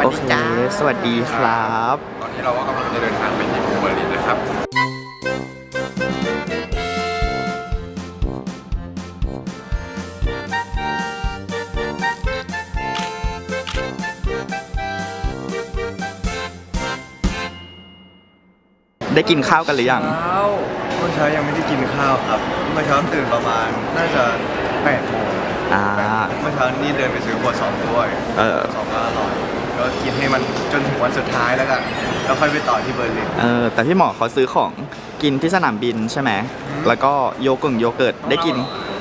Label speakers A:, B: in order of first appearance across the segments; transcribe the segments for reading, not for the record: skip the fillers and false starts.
A: โอเคสวัสดีครับ
B: ตอนนี้เราก็กำลังจะเดินทางไปที่เบอร์ลินนะครับ
A: ได้กินข้าวกันหรือยัง
C: เมื่อเช้ายังไม่ได้กินข้าวครับเมื่อเช้าตื่นประมาณน่าจะ8 โมงเมื่อเช้านี่เดินไปซื้อครัวซองด้วยครัวซองก็อร่อยก็กินให้มันจนถึงวันสุดท้ายแล้วกันแล้วค่อยไปต่อที่เบอร์ลิน
A: แต่พี่หมอเขาซื้อของกินที่สนามบินใช่ไหมแล้วก็โยเกิร์ตได้กิน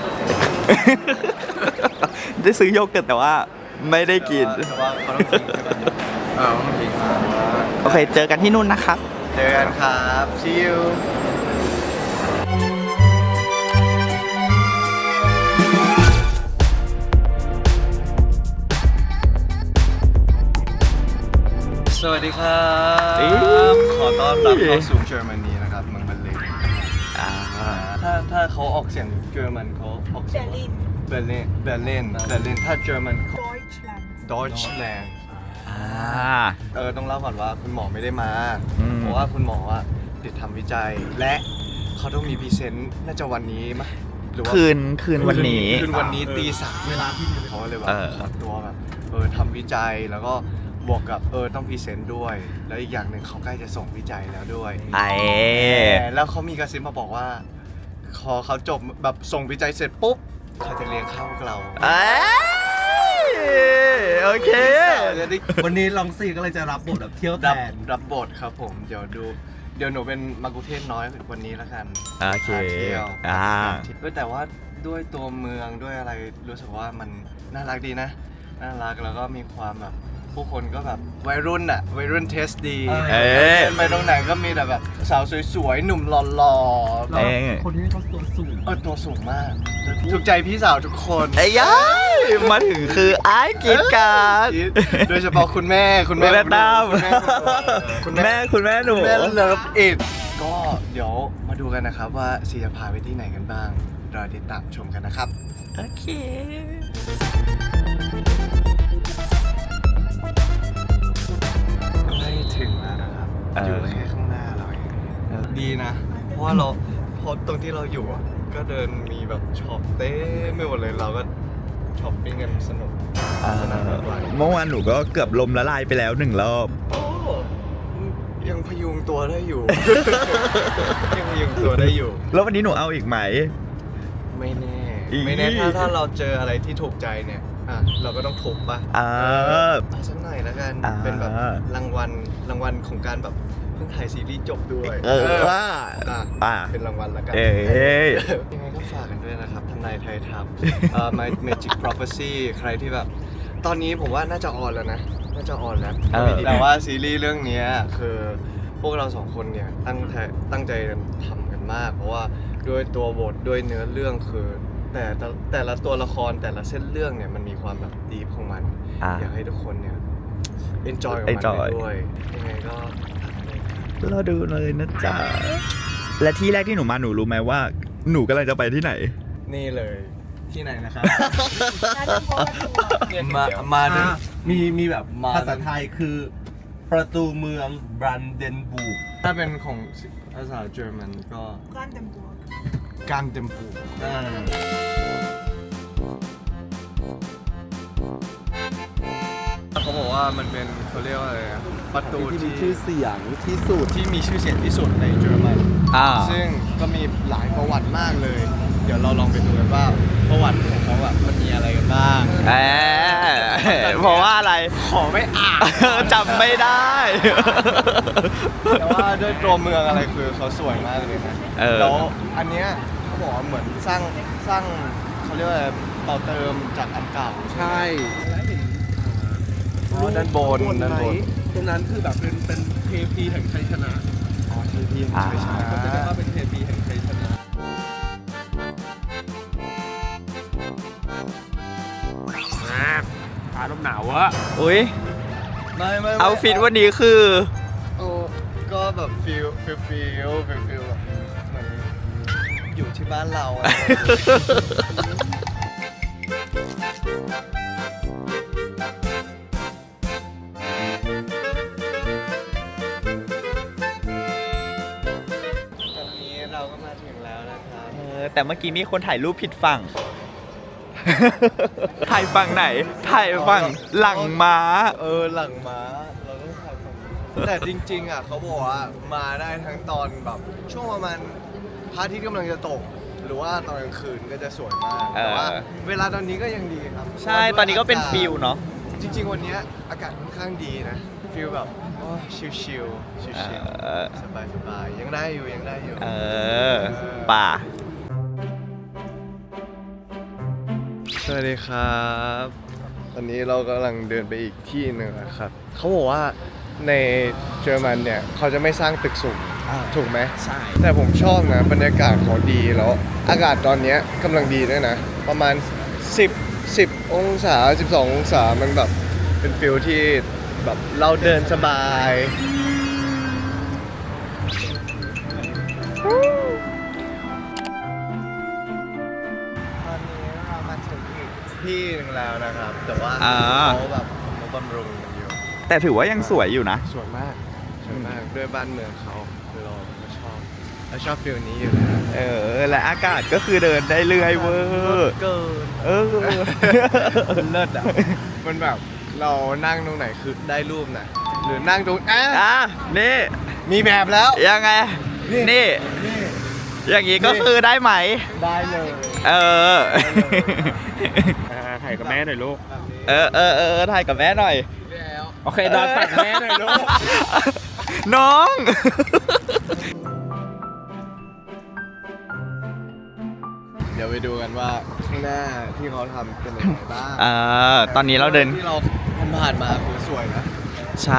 A: ได้ซื้อโยเกิร์ตแต่ว่าไม่ได้กิน
C: แต่ว่าเขาต้องกินใช่ไหมต้องกิน
A: โอเคเจอกันที่นู่นนะครับ
C: เจอกันครับ see youสวัสดีครับขอต้อนรับเข้าสู่เยอรมนีนะครับเมืองเบอร์ลินถ้าเขาออกเสียงเยอรมันเขาออกเสียงเบอร์ลินถ้าเยอรมันดอยช์แลนด์ต้องเล่าก่อนว่าคุณหมอไม่ได้มาเพราะว่าคุณหมอติดทำวิจัยและเขาต้องมีพรีเซนต์น่าจะวันนี้มั้ยหรือว่า
A: คืนวันนี้
C: ตี 3เวลาที่เขาเลยแบบขอตัวแบบทำวิจัยแล้วก็บวกกับต้องพรีเซนต์ด้วยแล้วอีกอย่างหนึ่งเขาใกล้จะส่งวิจัยแล้วด้วยแล้วเขามีกระซิบมาบอกว่าพอเขาจบแบบส่งวิจัยเสร็จปุ๊บเขาจะเลี้ยงข้าวเรา
A: โอเค
D: วันนี้ลองซีก็เลยจะรับบทแบบเที่ยวแทน
C: รับบทครับผมเดี๋ยวหนูเป็นมังคุเทศน้อยวันนี้แล้วกัน
A: โอเค
C: เที่ยวแต่ว่าด้วยตัวเมืองด้วยอะไรรู้สึกว่ามันน่ารักดีนะน่ารักแล้วก็มีความแบบผู้คนก็แบบวัยรุ่นเทสดีไปตรงไหนก็มีแต่แบบสาวสวยๆหนุ่มหล่อ
D: ๆคนนี้เขาตัวสูง
C: ตัวสูงมากถูกใจพี่สาวทุกคน
A: ยัยมาถึงคือไอ้กิจการ
C: โดยเฉพาะคุณแม่
A: ตามคุณแม่หนู
C: แม่เลิฟอิทก็เดี๋ยวมาดูกันนะครับว่าซีจะพาไปที่ไหนกันบ้างรอติดตามชมกันนะครับ
A: โอเค
C: ถึงแล้วนะครับอยู่แค่ข้างหน้าเราเองดีนะเพราะว่าพอตรงที่เราอยู่ก็เดินมีแบบช็อปเต้ไม่หมดเลยเราก็ช็อปปิ้งกันสนุก
A: เมื่อวานหนูก็เกือบลมละลายไปแล้ว1 รอบ
C: ยังพยุงตัวได้อยู่
A: แล้ววันนี้หนูเอาอีกไหม
C: ไม่แน่ถ้าเราเจออะไรที่ถูกใจเนี่ยเราก็ต้องทุบป่ะสักหน่อยแล้วกันเป็นแบบรางวัลของการแบบเพิ่งถ่ายซีรีส์จบด้วยเป็นรางวัลแล้วกันยังไงก็ฝากกันด้วยนะครับทนายไทยทัพMy Magic Prophecy ใครที่แบบตอนนี้ผมว่าน่าจะออนแล้วนะแต่ว่าซีรีส์เรื่องนี้คือพวกเรา2 คนเนี่ยตั้งใจทำกันมากเพราะว่าด้วยตัวบทด้วยเนื้อเรื่องคือแต่ละตัวละครแต่ละเส้นเรื่องเนี่ยมันมีความแบบดีฟของมันอยากให้ทุกคนเนี่ย enjoy กับมันไปด้วยยังไงก็
A: เราดูเลยนะจ๊ะและที่แรกที่หนูมาหนูรู้ไหมว่าหนูกำลังจะไปที่ไหน
C: นี่เลยที่ไหนนะครับมา
D: มีแบบภาษาไทยคือประตูเมืองบรันเดนบูร์ก
C: ถ้าเป็นของภาษาเยอรมันก็การเต็มปูเขาบอกว่ามันเป็นเขาเรียกว่าอะไรประตู
D: ที่มีชื่อเสียงที่สุด
C: ที่มีชื่อเสียงที่สุดในเยอรมันซึ่งก็มีหลายประวัติมากเลยเดี๋ยวเราลองไปดูกันว่าประวัติของเขาแบบมันมีอะไรกันบ้าง
A: เพราะว่าอะไร
C: ขอไม่อ่าน
A: จำไม่ได้
C: แต่ว่าด้วยตัวเมืองอะไรคือเขาสวยมากเลยนะแล้วอันเนี้ยเขาบอกว่าเหมือนสร้างเขาเรียกว่าต่อเติมจากอันเก่า
D: ใช่
C: ด้านบน
D: ตรงนั้นคือแบบเป็นเทพีแห่งชัยชนะ
C: เทพีแห่งชัยชนะ
D: ก็จะเรียกว่าเป็นเทพีแห่งชัยชนะฟ้าลมหนาววะ
A: อุ้ย
C: ไม่
A: เอาฟิตวันนี้คือ
C: ก็แบบฟิลแบบเหมือนอยู่ที่บ้านเรา
A: แต่เมื่อกี้มีคนถ่ายรูปผิดฝั่ง ถ่ายฝั่งไหน ถ่ายฝั่งหลังม้า
C: หลังม้าเราต้องถ่ายฝั่งนี้แต่จริงๆอ่ะเขาบอกว่ามาได้ทั้งตอนแบบช่วงประมาณพระอาทิตย์กำลังจะตก หรือว่าตอนกลางคืนก็จะสวยมากแต่ว่าเวลาตอนนี้ก็ยังดีครับ
A: ใช่ตอนนี้ก็เป็นฟิลเนาะ
C: จริงๆวันนี้อากาศค่อนข้างดีนะฟิลแบบชิลๆชิลๆสบายๆยังได้อยู่ยังได้อยู่
A: ป่า
C: สวัสดีครับ ตอนนี้เรากำลังเดินไปอีกที่หนึ่งนะครับเขาบอกว่าในเยอรมันเนี่ยเขาจะไม่สร้างตึกสูงถูกไหม
A: ใช่
C: แต่ผมชอบนะบรรยากาศเขาดีแล้วอากาศตอนเนี้ยกำลังดีด้วยนะ ประมาณ 10 องศา 12 องศามันแบบเป็นฟิลที่แบบเราเดินสบายตอนนี้เรามาถึงอีกที่หนึงแล้วนะครับ แต่ว่าเขาแบบมาบำรุงกันอยู่
A: แต่ถือว่ายังสวยอยู่นะ
C: สวยมากด้วยบ้านเมืองเขาคือเราชอบฟิลนี้อยู่แล้ว
A: และอากาศก็คือเดินได้เรื่อยเวอร์
C: เกินเลิศอ่ะมันแบบเรานั่งตรงไหนคือได้รูปนะหรือนั่งตรง
A: นี่
C: มีแบบแล้ว
A: ยังไง นี่ อย่างนี้ก็คือได้ไหม
C: ได้เลย
D: ถ่ายกับแม่หน่อยลูก
C: แบบนี้
A: ถ่ายกับแม่หน่อย
C: แล้ว
D: โอเคดอนตักแม่หน่อยลูก
A: น้อง
C: เดี๋ยวไปดูกันว่าข้างหน้าที่เขาทำเป็นยังไงบ้าง
A: ตอนนี้เราเดิน
C: ที่เราผ่านมาคือสวยนะ
A: ใช่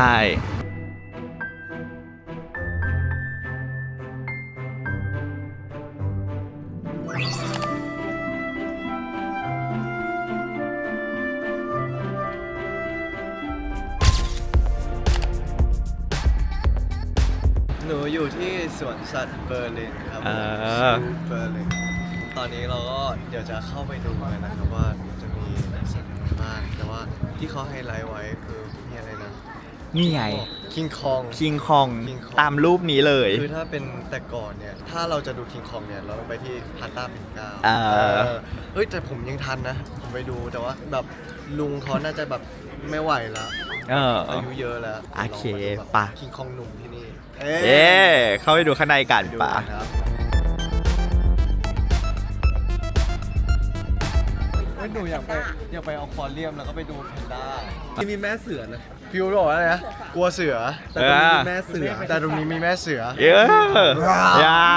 C: หนูอยู่ที่สวนสัตว์เบอร์ลินครับเบอร์ลินตอนนี้เราก็เดี๋ยวจะเข้าไปดูกันนะครับว่าจะมีสัตว์อะไรบ้างแต่ว่าที่เขาไฮไลท์ไว้คือมีอะไรนะ
A: นี่ไง
C: คิงคอง
A: คิงคอง
C: King Kong
A: ตามรูปนี้เลย
C: คือถ้าเป็นแต่ก่อนเนี่ยถ้าเราจะดูคิงคองเนี่ยเราต้องไปที่พาต้าปิ่นเกล้าเฮ้ยแต่ผมยังทันนะผมไปดูแต่ว่าแบบลุงเขาน่าจะแบบไม่ไหวแล้วอายุเยอะแล้ว
A: โอเคป่ะ
C: คิงคองหนุ่มที่นี่
A: เข้าไปดูข้างในกันป่ะ
C: หนูอยากไปอควาเรียมแล้วก็ไปดูแพนด้า
D: มีแม่เสือนะ
C: ฟิวบอกว่าอะไรนะกลัวเสือ
D: แต่ตรงนี้มีแม่เสือ
C: แต่ตรงนี้มีแม่เสือ
A: ย่า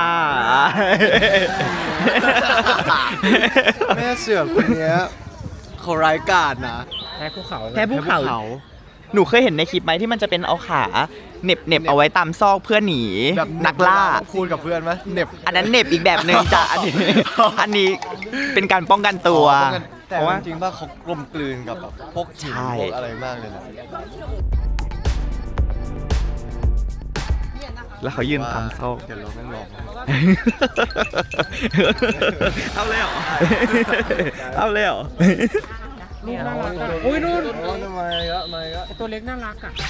C: แม่เสือคนเนี้ยเขาร้ายกาจนะ
D: แพ้ภูเขา
A: แค่ภูเขา หนูเคยเห็นในคลิปไหมที่มันจะเป็นเอาขาเหน็บเอาไว้ตามซอกเพื่อหนี
C: แบบ
A: นักล่า
C: พูดกับเพื่อนไหมเหน็บ
A: อันนั้นเหน็บอีกแบบหนึ่งจ้ะอันนี้เป็นการป้องกันตัว
C: แต่
A: เพราะว่า
C: จริงๆว่าเขากลมกลืนกับแบบพวกหิน
A: ใช่
C: พวกอะไรมากเลยนะ
A: แล้วเขายืนตามซอก
C: เดี๋ยวเราไม่ลอง
A: เอาเลยเหรอ เอาเลยเหรอ
D: ลูกน่ารักอ่ะอุ้ยนู่น
C: ทำไมอะไม่อะ
D: ตัวเล็กน่ารักอ่ะ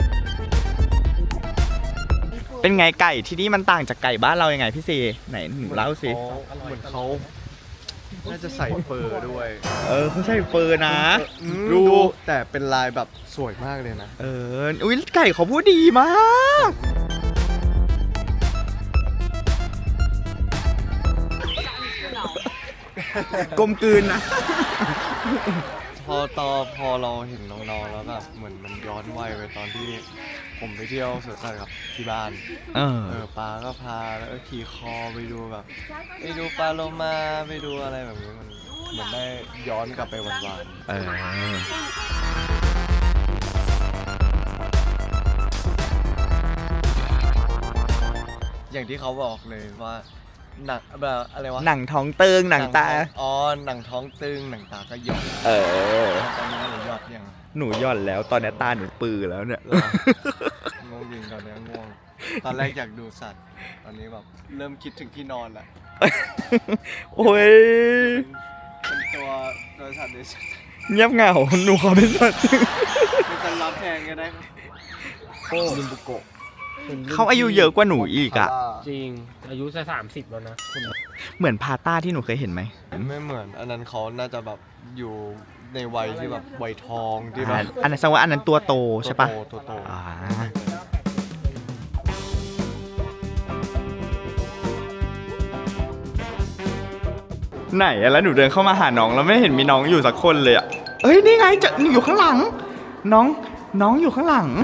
A: เป็นไงไก่ที่นี่มันต่างจากไก่บ้านเรายังไงพี่ซีไหนหนูเล่าสิ
C: เหมือนเขาน่าจะใส่เฟอร์ด้วย
A: เขาใส่เฟอร์นะ
C: ดู
A: ดู
C: แต่เป็นลายแบบสวยมากเลยนะ
A: อุ้ยไก่เขาพูดดีมาก กลมกลืนนะ
C: พอเราเห็นน้องๆแล้วแบบเหมือนมันย้อนวัยไปตอนที่ผมไปเที่ยวสวนสัตว์กับที่บ้านปลาก็พาแล้วก็ขี่คอไปดูแบบไปดูปลาโลมาไปดูอะไรแบบนี้มันเหมือนได้ย้อนกลับไปหวานๆอย่างที่เขาบอกเลยว่าหนังแบบอะไรวะ
A: หนังท้องเติงหนังตา
C: หนังท้องตึงหนังตาก็หย่อนตอนนี้หนูหยอดยัง
A: หนูหย่อนแล้วตอนนี้ตาหนูปือแล้วเนี่ย
C: ง่วงจริงตอนนี้ง่วง ตอนแรกอยากดูสัตว์ ตอนนี้แบบเริ่มคิดถึงที่นอนละ
A: โอ้ย
C: เป็นตัวสัตว์ในสัตว์
A: เงียบเหงาหนูขอเป็นสัตว์
C: เป็นสัตว์รับแทนก็ได้ครับโอ้ลิมบุโกะ
A: เขาอายุเยอะกว่าหนูอีกอ่ะ
E: จริงอายุจะ30แล้วนะ
A: เหมือนพาต้าที่หนูเคยเห็นไหม
C: ไม่เหมือนอันนั้นเขาน่าจะแบบอยู่ในวัยที่แบบวัยทองที่แบบ
A: อันนั้นแสดงว่าอันนั้นตัวโตใช่ปะ
C: ตัวโต
A: อ่าไหนอะแล้วหนูเดินเข้ามาหาน้องแล้วไม่เห็นมีน้องอยู่สักคนเลยอะเอ้ยนี่ไงจะอยู่ข้างหลัง น้องอยู่ข้างหลัง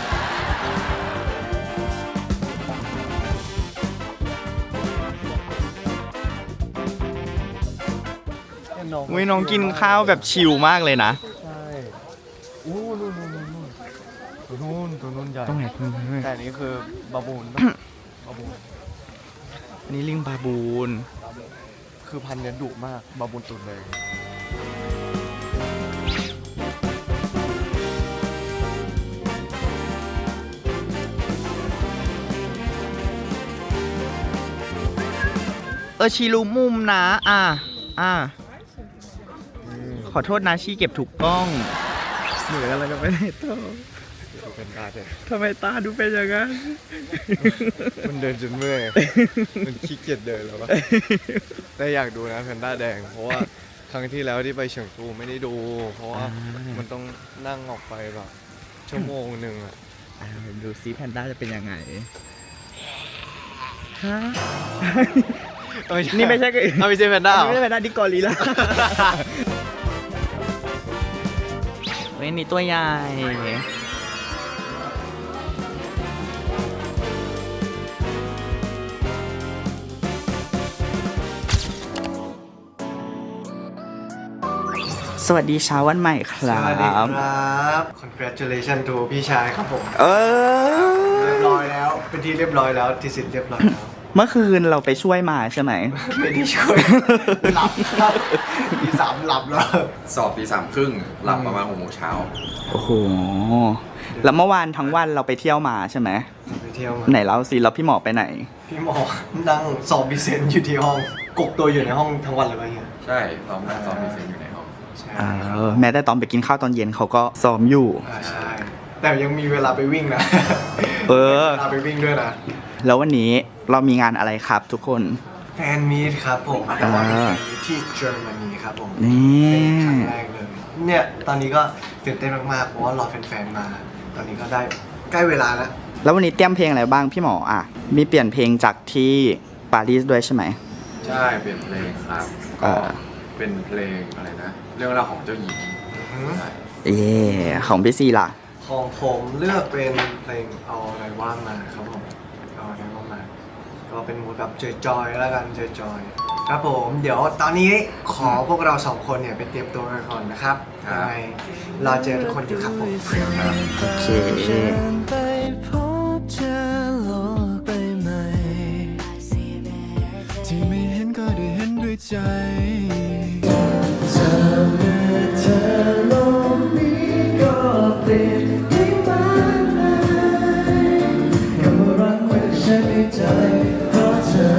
A: อุ้ยน้องกินข้าวแบบชิลมากเลยนะ
C: ใช่อู้นู่นตัวนู่นใหญ่
A: ตรงไหน
C: แต่อันนี้คือบาบูนปะบาบูน
A: อันนี้ลิงบาบูน
C: คือพันธุ์เนี้ยดุมากบาบูนตุ่นเลย
A: ชีรู้มุมนะขอโทษนะชีเก็บถูกกล้องหนูกำลังจะไปไหนต่อ
C: ดูเป็นตาเด็ก
A: ทำไมตาดูเป็นอย่างนั้น
C: มันเดินจนเมื่อย มันขี้เกียจเดินแล้วปะแต่อยากดูนะแพนด้าแดง เพราะว่าครั้งที่แล้วที่ไปเฉิงตูไม่ได้ดู เพราะว่ามันต้องนั่งออกไปแบบชั่วโมงหนึ่งอะ
A: ดูซิแพนด้าจะเป็นยังไงฮะนี่ไม่ใช่ก็
C: ไม่ใช่แพนด้า
A: ไม่ใช่แพนด้าดิกอริลล่าเว้ยนี่ตัวใหญ่สวัสดีเช้าวันใหม่ค
C: ส
A: รั
C: วัสดีค
A: บ
C: รับ congratulation to พี่ชายครับผม
A: เออ
C: เรียบร้อยแล้ว เป็นที่เรียบร้อยแล้วที่สิทธิ์เรียบร้อยแล้ว
A: เมื่อคืนเราไปช่วยมาใช่ไหม
C: ไม่ได้ช่วย หลับครับที่3หลับแล้ว
B: สอบตี 3:30หลับประมาณ6 โมงเช้า
A: โอ้โห แล้วเมื่อวานทั้งวันเราไปเที่ยวมาใช่ไหม
C: ไปเที่ยวมา
A: ไหนเล่าสิแล้วพี่หมอไปไหน
C: พี่หมอนั่งสอบบิเซนอยู่ที่ห้องกกตัวอยู่ในห้องทั้งวันเลยป่ะเฮีย
B: ใช่ซ้อมนั่งซ้อมมีเซนอยู่ในห้อง
C: ใช่
A: แม้แต่ตอนไปกินข้าวตอนเย็นเขาก็ซ้อมอยู่
C: ใช่ แต่ยังมีเวลาไปวิ่งนะ
A: เออ
C: เวลาไปวิ่งด้วยนะ
A: แล้ววันนี้เรามีงานอะไรครับทุกคน
C: แฟนมีตครับผมแต่ว่าเป็นแฟนมีตที่เยอรมนีครับผม
A: นี่
C: เป็นครั้งแรกเลย เนี่ยตอนนี้ก็ตื่นเต้นมากๆเพราะว่ารอแฟนๆมา ตอนนี้ก็ได้ใกล้เวลาแล้ว
A: แล้ววันนี้เตรียมเพลงอะไรบ้างพี่หมออ่ะ มีเปลี่ยนเพลงจากที่ปารีสด้วยใช่ไหม
B: ใช่เปลี่ยนเพลงครับ
A: เอ
B: ก็
A: อ
B: เป็นเพลงอะไรนะ เรื่องราวของเจ้าหญิงใช่
A: ของพี่ซีล่ะ
C: ของผมเลือกเป็นเพลงเอาอะไรว่างมาครับผมเอาอะไรว่างมา ก็เป็นมูดแบบจอยๆแล้วกันจอยๆครับผมเดี๋ยวตอนนี้ขอพวกเราสองคนเนี่ยไปเตรียมตัวกันก่อนนะครับยังไงรอเจอทุกคนอยู่ครับผม
A: โอเค
F: ไปพบเจอโลกใบใหม่ที่ไม่เห็นก็ได้เห็นด้วยใจเธอโลกนี้ก็เปลี่ยนได้มากมายกับรักไม่ใช่ในใจเพราะเธอ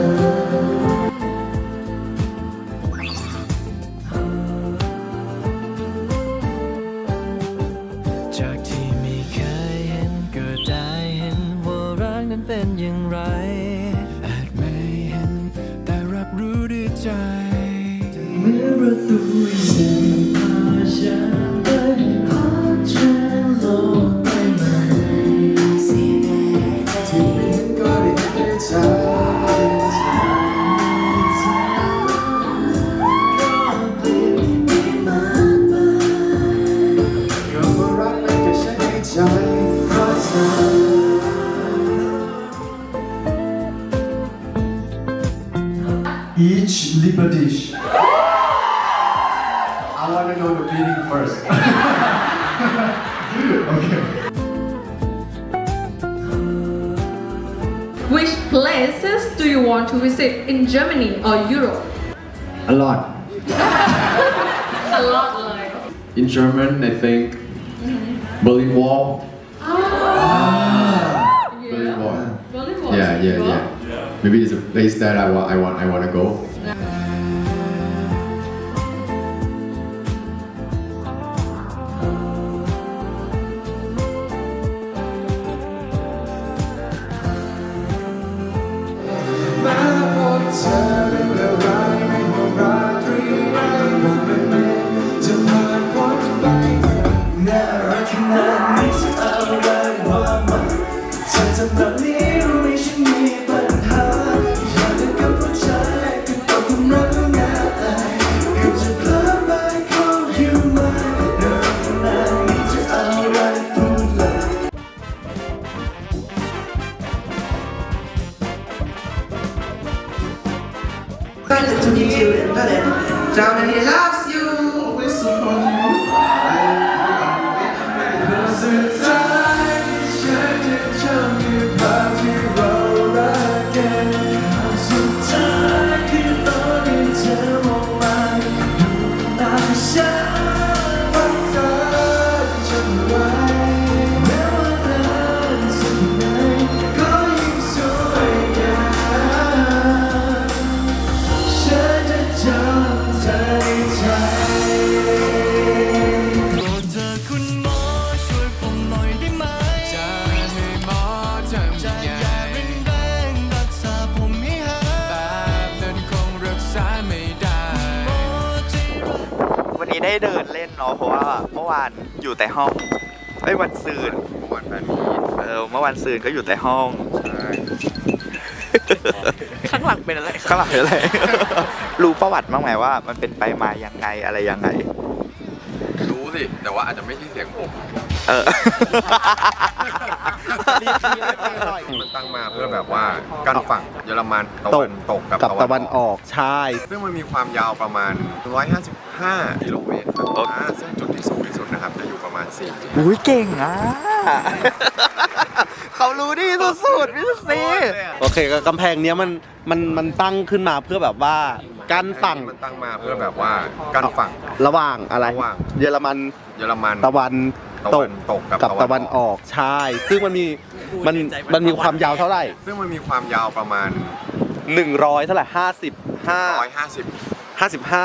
F: จากที่ไม่เคยเห็นก็ได้เห็นว่ารักนั้นเป็นอย่างไรอาจไม่เห็นแต่รับรู้ด้วยใจเมื่อประตูสิ่งพาฉันไปพบเจอโลกใบใหม่ที่ไม่เห็นก็ได้เห็นด้วยใจEach liver dish. I want to know the meaning first. Okay.
G: Which places do you want to visit in Germany or Europe?
H: A lot.
G: A lot เลย
H: In German, I think Berlin Wall. Berlin Wall.
G: Berlin Wall.
H: Yeah. Maybe it's a place that I want to go.
F: นี้จะอะไรว่ามันเธอทำแบบนี้รู้ไหมฉันมีปัญหาอยากจะกับผู้ชายก็ต้องทำรักง่ายเกือบจะเพลินไป call you mine เรื่องขนาดนี้จะเอาอะไรพูดเลย
I: Excited to meet you in Berlin. Germany loves you. We support you. สุดท้ายฉันจะจำอยู่ภาพที่เรารักกันสุดท้ายคือตอนที่เธอมองมาดูหน้าฉันว่าเธอจะไว้แม้ว่านานสักไหนก็ยิ่งสวยงาม ฉันจะจำเธอในใจโปรดเธอคุณหมอช่วยผมหน่อยได้ไหมจะให้หมอทำยังไงแรงรักษาผมให้หายแบบนั้นคงรักษาไม่ได้หมอจะ
A: วันนี้ได้เดินเล่นเนาะเพราะว่าเมื่อวานอยู่แต่ห้องวันซืน
B: วันแฟนมีต
A: เมื่อวันซืนก็อยู่แต่ห้อง
C: ข้างหลังเป็นอะไร
A: ข้างหลังเป็นอะไร รู้ประวัติบ้างไหมว่ามันเป็นไปมายังไงอะไรยังไง
B: รู้สิ แต่ว่าอาจจะไม่ใช่เสียงผม
A: เออ
B: มันตั้งมาเพื่อแบบว่ากั้นฝั่งเยอรมันตะวันตกกับ
D: ตะวันออกใช่
B: ซึ่งมันมีความยาวประมาณ 155 กิโลเมตรครับซึ่งจุดที่สูงที่สุดนะครับจะอยู่ประมาณ4
A: อุ้ยเก่งอ่ะ เขารู้ดีสุดๆพี่ซี
D: โอเคก็กำแพงเนี้ยมันตั้งขึ้นมาเพื่อแบบว่ากั้นฝั่ง
B: มันตั้งมาเพื่อแบบว่ากั้นฝั่ง
D: ระหว่างอะไร
B: ระหว่าง
D: เยอรมัน
B: เยอรมัน
D: ตะวันตก
B: ตกกับ
D: ตะวันออกใช่ ซึ่งมันมีความยาวเท่าไหร่
B: ซึ่งมันมีความยาวประมาณ
D: 100เท่าไหร่
B: 150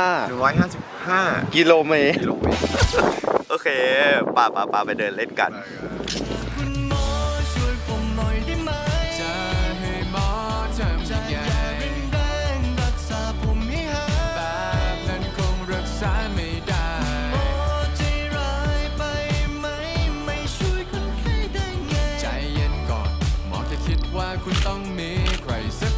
D: 55กิโลเมตร
B: กิโลเมตร
A: โอเคป่าไปเดินเล่นกัน
F: คุณหมอช่วยผมหน่อยได้ไหมจะให้หมอทำยังไงแรงรักษาผมให้หายแบบนั้นคงรักษาไม่ได้หมอใจร้ายไปไหมไม่ช่วยคนไข้ได้ไงใจเย็นก่อนหมอแค่คิดว่าคุณต้องมีใครสัก